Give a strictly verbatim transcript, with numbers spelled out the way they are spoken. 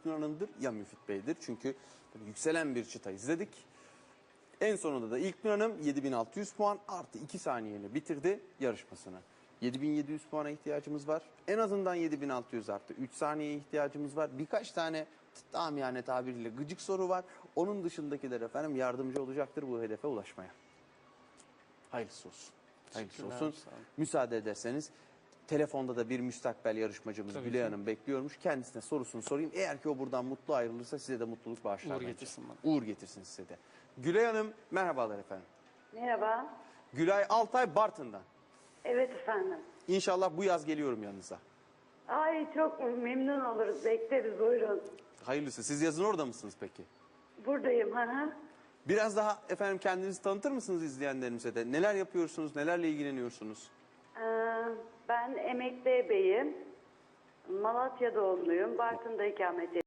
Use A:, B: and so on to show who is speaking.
A: İlknur Hanım'dır ya Müfit Bey'dir. Çünkü böyle yükselen bir çıta izledik. En sonunda da İlknur Hanım yedi bin altı yüz puan artı iki saniyeyle bitirdi yarışmasını. yedi bin yedi yüz puana ihtiyacımız var. En azından yedi bin altı yüz artı üç saniyeye ihtiyacımız var. Birkaç tane amiyane tabiriyle gıcık soru var. Onun dışındakiler efendim yardımcı olacaktır bu hedefe ulaşmaya. Hayırlısı olsun. Hayırlısı olsun. Müsaade ederseniz telefonda da bir müstakbel yarışmacımız
B: Tabii
A: Gülay
B: ki.
A: Hanım bekliyormuş. Kendisine sorusunu sorayım. Eğer ki o buradan mutlu ayrılırsa size de mutluluk bağışlar.
B: Uğur
A: bence.
B: getirsin bana.
A: Uğur getirsin size de. Gülay Hanım merhabalar efendim.
C: Merhaba.
A: Gülay Altay Bartın'dan.
C: Evet efendim.
A: İnşallah bu yaz geliyorum yanınıza.
C: Ay çok memnun oluruz. Bekleriz, buyurun.
A: Hayırlısı. Siz yazın orada mısınız peki?
C: Buradayım. Hı hı.
A: Biraz daha efendim kendinizi tanıtır mısınız izleyenlerimize de? Neler yapıyorsunuz? Nelerle ilgileniyorsunuz?
C: Ee, ben emekli beyim. Malatya doğumluyum. Bartın'da ikamet ediyorum.